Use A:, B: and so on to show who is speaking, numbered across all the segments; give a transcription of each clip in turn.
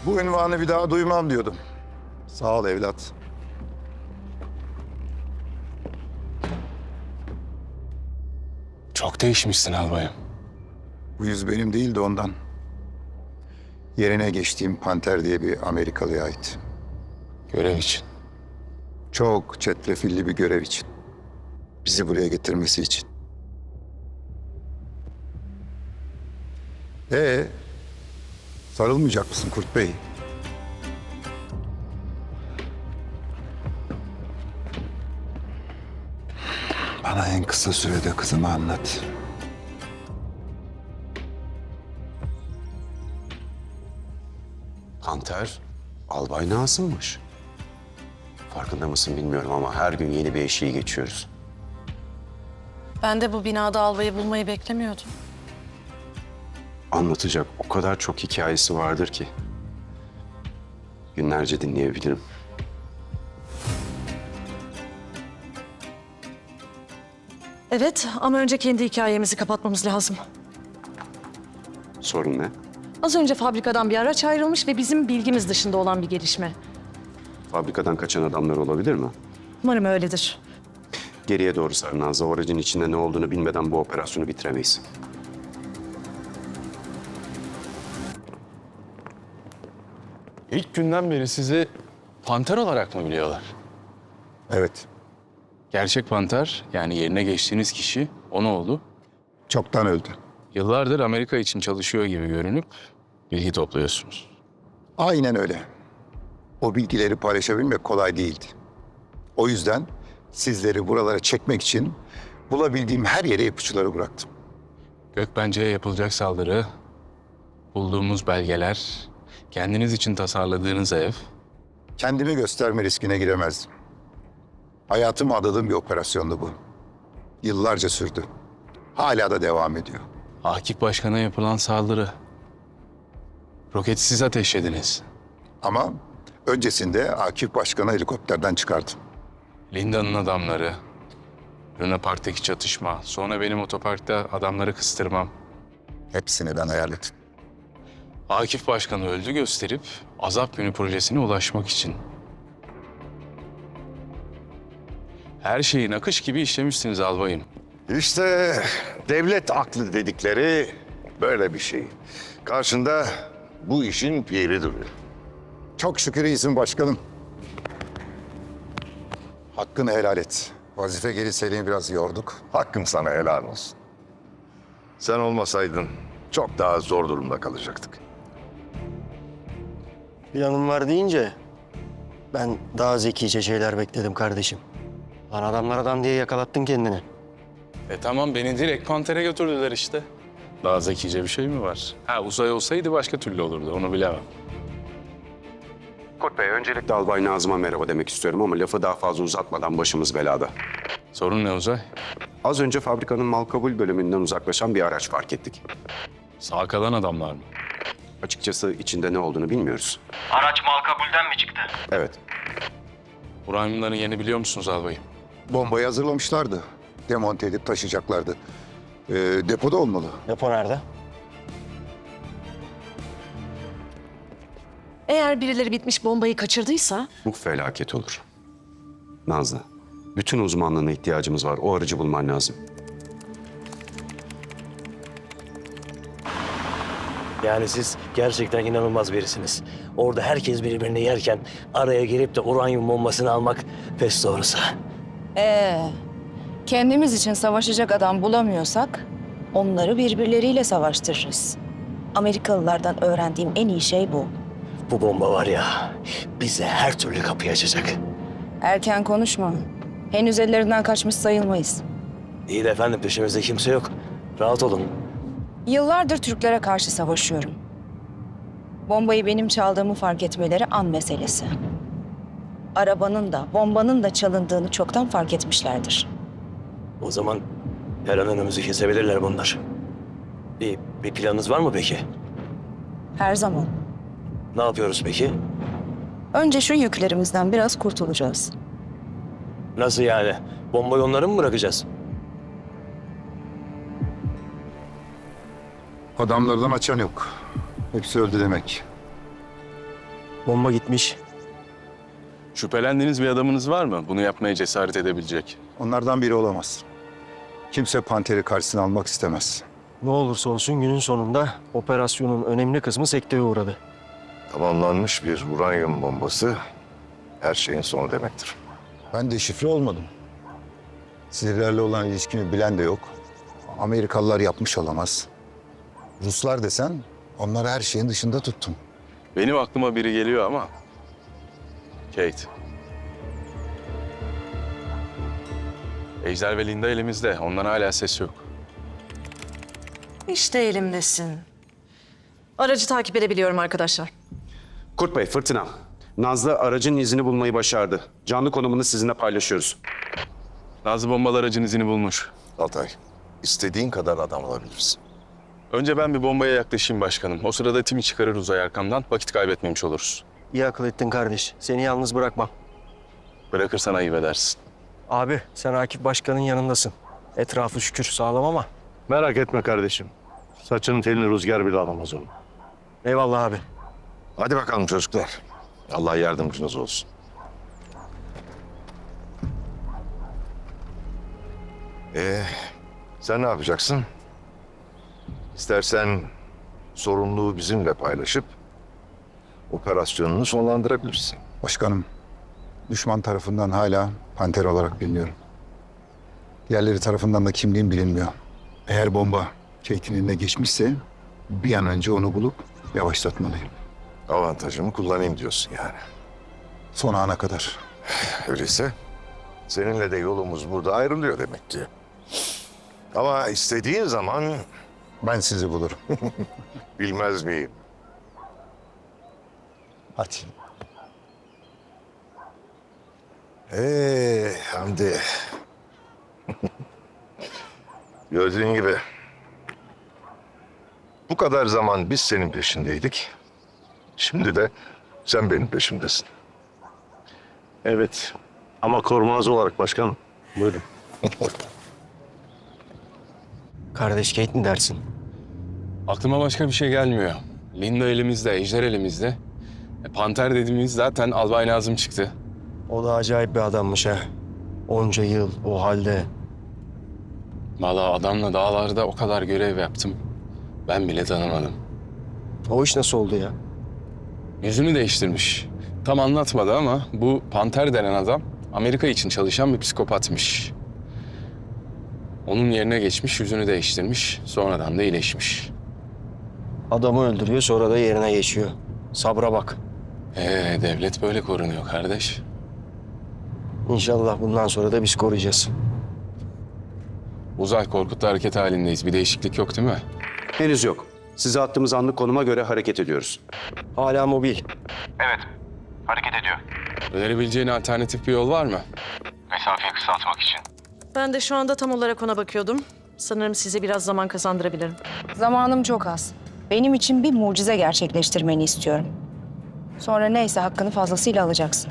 A: Bu ünvanı bir daha duymam diyordum. Sağ ol evlat.
B: Çok değişmişsin albayım.
A: Bu yüz benim değil de ondan. Yerine geçtiğim Panter diye bir Amerikalıya ait.
B: Görev için.
A: Çok çetrefilli bir görev için. Bizi buraya getirmesi için. Sarılmayacak mısın Kurt Bey? Bana en kısa sürede kızımı anlat.
C: Panter, Albay Nazım'mış. Farkında mısın bilmiyorum ama her gün yeni bir eşiği geçiyoruz.
D: Ben de bu binada albayı bulmayı beklemiyordum.
C: Anlatacak o kadar çok hikayesi vardır ki. Günlerce dinleyebilirim.
D: Evet ama önce kendi hikayemizi kapatmamız lazım.
C: Sorun ne?
D: Az önce fabrikadan bir araç ayrılmış ve bizim bilgimiz dışında olan bir gelişme.
C: Fabrikadan kaçan adamlar olabilir mi?
D: Umarım öyledir.
C: Geriye doğru sar Nazlı. O aracın içinde ne olduğunu bilmeden bu operasyonu bitiremeyiz.
B: İlk günden beri sizi panter olarak mı biliyorlar?
A: Evet,
B: Gerçek panter, yani yerine geçtiğiniz kişi, o ne oldu?
A: çoktan öldü.
B: Yıllardır Amerika için çalışıyor gibi görünüp bilgi topluyorsunuz.
A: Aynen öyle. O bilgileri paylaşabilmek kolay değildi. O yüzden sizleri buralara çekmek için bulabildiğim her yere ipuçları bıraktım.
B: Gökbence'ye yapılacak saldırı, bulduğumuz belgeler, kendiniz için tasarladığınız ev.
A: Kendimi gösterme riskine giremezdim. Hayatımı adadığım bir operasyondu bu. Yıllarca sürdü. Hala da devam ediyor.
B: Akif Başkan'a yapılan saldırı. Roketi siz ateşlediniz.
A: Ama öncesinde Akif Başkan'ı helikopterden çıkardım.
B: Linda'nın adamları, Luna Park'taki çatışma, sonra benim otoparkta adamları kıstırmam.
A: Hepsini ben hayal ettim.
B: Akif Başkan'ı öldü gösterip Azap Günü projesine ulaşmak için. Her şeyin akış gibi işlemişsiniz albayım.
E: İşte devlet aklı dedikleri böyle bir şey. Karşında bu işin piri duruyor.
A: Çok şükür iyisin başkanım. Hakkını helal et. Vazife geri seni biraz yorduk.
E: Hakkım sana helal olsun. Sen olmasaydın çok daha zor durumda kalacaktık.
F: Planım var deyince ben daha zekice şeyler bekledim kardeşim. Lan adamlar adam diye yakalattın kendini.
B: Tamam beni direkt Panter'e götürdüler işte. Daha zekice bir şey mi var? Ha uzay olsaydı başka türlü olurdu onu bilemem.
C: Kurt Bey, öncelikle Albay Nazım'a merhaba demek istiyorum ama lafı daha fazla uzatmadan başımız belada.
B: Sorun ne Uzay?
C: Az önce fabrikanın mal kabul bölümünden uzaklaşan bir araç fark ettik.
B: Sağ kalan adamlar mı?
C: Açıkçası içinde ne olduğunu bilmiyoruz.
F: Araç mal kabulden mi çıktı?
C: Evet,
B: Uranyumların yerini biliyor musunuz albayım?
A: Bombayı hazırlamışlardı. Demonte edip taşıyacaklardı. Depoda olmalı.
F: Depo nerede?
D: Eğer birileri bitmiş bombayı kaçırdıysa
C: bu felaket olur. Nazlı, bütün uzmanlığına ihtiyacımız var. O aracı bulman lazım.
F: Yani siz gerçekten inanılmaz birisiniz. Orada herkes birbirini yerken araya girip de uranyum bombasını almak pes doğrusu.
G: Kendimiz için savaşacak adam bulamıyorsak onları birbirleriyle savaştırırız. Amerikalılardan öğrendiğim en iyi şey bu.
F: Bu bomba var ya bize her türlü kapıyı açacak.
G: Erken konuşma. Henüz ellerinden kaçmış sayılmayız.
F: İyi de efendim peşimizde kimse yok. Rahat olun.
G: Yıllardır Türklere karşı savaşıyorum. Bombayı benim çaldığımı fark etmeleri an meselesi. Arabanın da bombanın da çalındığını çoktan fark etmişlerdir.
F: O zaman her an önümüzü kesebilirler bunlar. Bir planınız var mı peki?
G: Her zaman.
F: Ne yapıyoruz peki?
G: Önce şu yüklerimizden biraz kurtulacağız.
F: Nasıl yani? Bombayı onlara mı bırakacağız?
A: Adamlardan açan yok. Hepsi öldü demek.
F: Bomba gitmiş.
B: Şüphelendiğiniz bir adamınız var mı? Bunu yapmaya cesaret edebilecek.
A: Onlardan biri olamaz. Kimse Panter'i karşısına almak istemez.
F: Ne olursa olsun günün sonunda operasyonun önemli kısmı sekteye uğradı.
E: Tamamlanmış bir uranyum bombası her şeyin sonu demektir.
A: Ben de şifre olmadım. Sizlerle olan ilişkimi bilen de yok. Amerikalılar yapmış olamaz. Ruslar desen onları her şeyin dışında tuttum.
B: Benim aklıma biri geliyor ama... Kate. Ejder ve Linda elimizde. Ondan hala ses yok.
D: İşte elimdesin. Aracı takip edebiliyorum arkadaşlar.
C: Kurt Bey, Fırtına. Nazlı aracın izini bulmayı başardı. Canlı konumunu sizinle paylaşıyoruz.
B: Nazlı bombalı aracın izini bulmuş.
E: Altay, istediğin kadar adam alabilirsin.
B: Önce ben bir bombaya yaklaşayım başkanım. O sırada timi çıkarır uzay arkamdan. Vakit kaybetmemiş oluruz.
F: İyi akıl ettin kardeş. Seni yalnız bırakmam.
B: Bırakırsan ayıp edersin.
F: Abi sen Akif Başkan'ın yanındasın. Etrafı şükür sağlam ama.
H: Merak etme kardeşim. Saçının telini rüzgar bile alamaz onu.
F: Eyvallah abi.
E: Hadi bakalım çocuklar. Allah yardımcınız olsun. Sen ne yapacaksın? İstersen sorumluluğu bizimle paylaşıp operasyonunu sonlandırabilirsin.
A: Başkanım, düşman tarafından hala Panter olarak biliniyorum. Diğerleri tarafından da kimliğim bilinmiyor. Eğer bomba Kate'in eline geçmişse bir an önce onu bulup yavaşlatmalıyım.
E: Avantajımı kullanayım diyorsun yani.
A: Son ana kadar.
E: Öyleyse seninle de yolumuz burada ayrılıyor demek ki. Ama istediğin zaman
A: Ben sizi bulurum.
E: bilmez miyim?
A: Hadi.
E: Hamdi. Gördüğün gibi bu kadar zaman biz senin peşindeydik. Şimdi de sen benim peşimdesin.
H: Evet. Ama korumanız olarak başkanım. Buyurun.
F: Kardeş Kate mi dersin?
B: Aklıma başka bir şey gelmiyor. Linda elimizde, Ejder elimizde. Panter dediğimiz zaten Albay Nazım çıktı.
F: O da acayip bir adammış ha. Onca yıl o halde.
B: Vallahi adamla dağlarda o kadar görev yaptım. Ben bile tanımadım.
F: O iş nasıl oldu ya?
B: Yüzünü değiştirmiş. Tam anlatmadı ama bu Panter denen adam Amerika için çalışan bir psikopatmış. Onun yerine geçmiş, yüzünü değiştirmiş. Sonradan da iyileşmiş.
F: Adamı öldürüyor sonra da yerine geçiyor. Sabra bak.
B: Devlet böyle korunuyor kardeş.
F: İnşallah bundan sonra da biz koruyacağız.
B: Uzay Korkut'ta hareket halindeyiz. Bir değişiklik yok değil mi?
C: Henüz yok. Size attığımız anlık konuma göre hareket ediyoruz.
F: Hala mobil.
B: Önerebileceğin alternatif bir yol var mı?
D: Ben de şu anda tam olarak ona bakıyordum. Sanırım size biraz zaman kazandırabilirim.
G: Zamanım çok az. Benim için bir mucize gerçekleştirmeni istiyorum. Sonra neyse hakkını fazlasıyla alacaksın.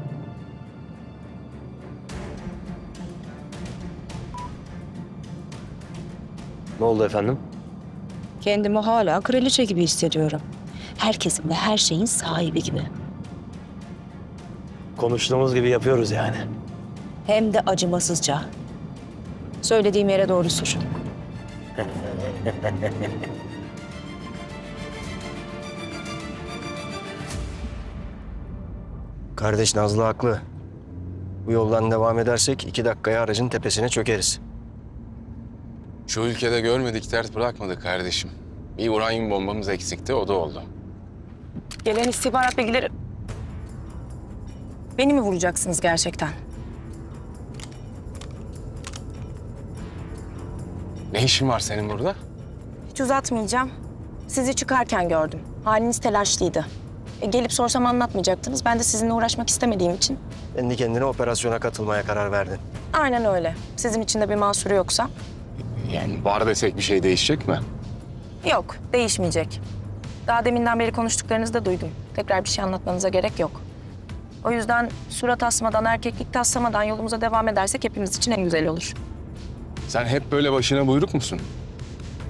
F: Ne oldu efendim?
G: Kendimi hala kraliçe gibi hissediyorum. Herkesin ve her şeyin sahibi gibi.
F: Konuştuğumuz gibi yapıyoruz yani.
G: Hem de acımasızca. Söylediğim yere doğru sür.
F: Kardeş Nazlı haklı. Bu yoldan devam edersek 2 dakikaya aracın tepesine çökeriz.
B: Şu ülkede görmedik dert bırakmadık kardeşim. Bir uranyum bombamız eksikti, o da oldu.
G: Gelen istihbarat bilgileri... Beni mi vuracaksınız gerçekten?
B: Ne işin var senin burada?
I: Hiç uzatmayacağım. Sizi çıkarken gördüm. Haliniz telaşlıydı. Gelip sorsam anlatmayacaktınız. Ben de sizinle uğraşmak istemediğim için.
F: Kendi kendine operasyona katılmaya karar verdin.
I: Aynen öyle. Sizin için de bir mahsuru yoksa.
B: Yani var desek bir şey değişecek mi?
I: Yok, değişmeyecek. Daha deminden beri konuştuklarınızı da duydum. Tekrar bir şey anlatmanıza gerek yok. O yüzden surat asmadan, erkeklik taslamadan yolumuza devam edersek hepimiz için en güzel olur.
B: Sen hep böyle başına buyruk musun?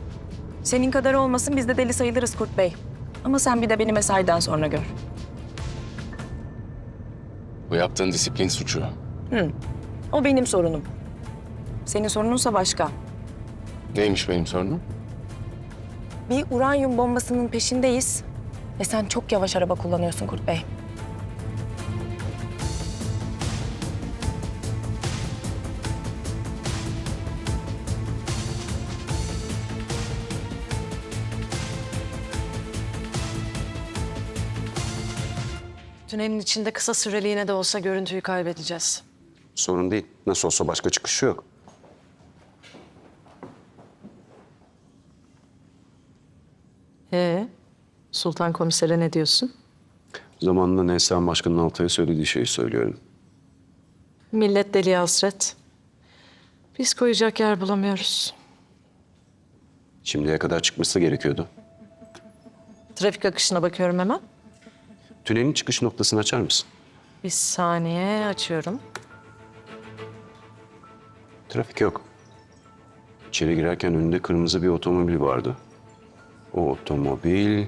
I: Senin kadar olmasın biz de deli sayılırız Kurt Bey. Ama sen bir de beni mesaiden sonra gör.
B: Bu yaptığın disiplin suçu.
I: O benim sorunum. Senin sorununsa başka.
B: Neymiş benim sorunum?
I: Bir uranyum bombasının peşindeyiz ve sen çok yavaş araba kullanıyorsun Kurt Bey.
D: Tünelin içinde kısa süreliğine de olsa görüntüyü kaybedeceğiz.
C: Sorun değil. Nasıl olsa başka çıkışı yok.
D: Sultan Komiser'e ne diyorsun?
C: Zamanında Neslihan Başkan'ın Altay'a söylediği şeyi söylüyorum.
D: Millet deliye hasret. Biz koyacak yer bulamıyoruz.
C: Şimdiye kadar çıkması gerekiyordu.
D: Trafik akışına bakıyorum hemen.
C: Tünelin çıkış noktasını açar mısın?
D: Bir saniye açıyorum.
C: Trafik yok. İçeri girerken önünde kırmızı bir otomobil vardı. O otomobil...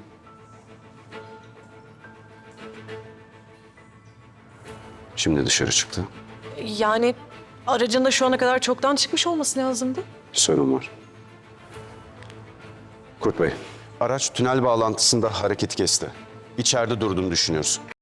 C: Şimdi dışarı çıktı.
D: Yani aracın da şu ana kadar çoktan çıkmış olması lazımdı.
C: Bir sorun var. Kurt Bey, araç tünel bağlantısında hareketi kesti. İçeride durduğunu düşünüyoruz.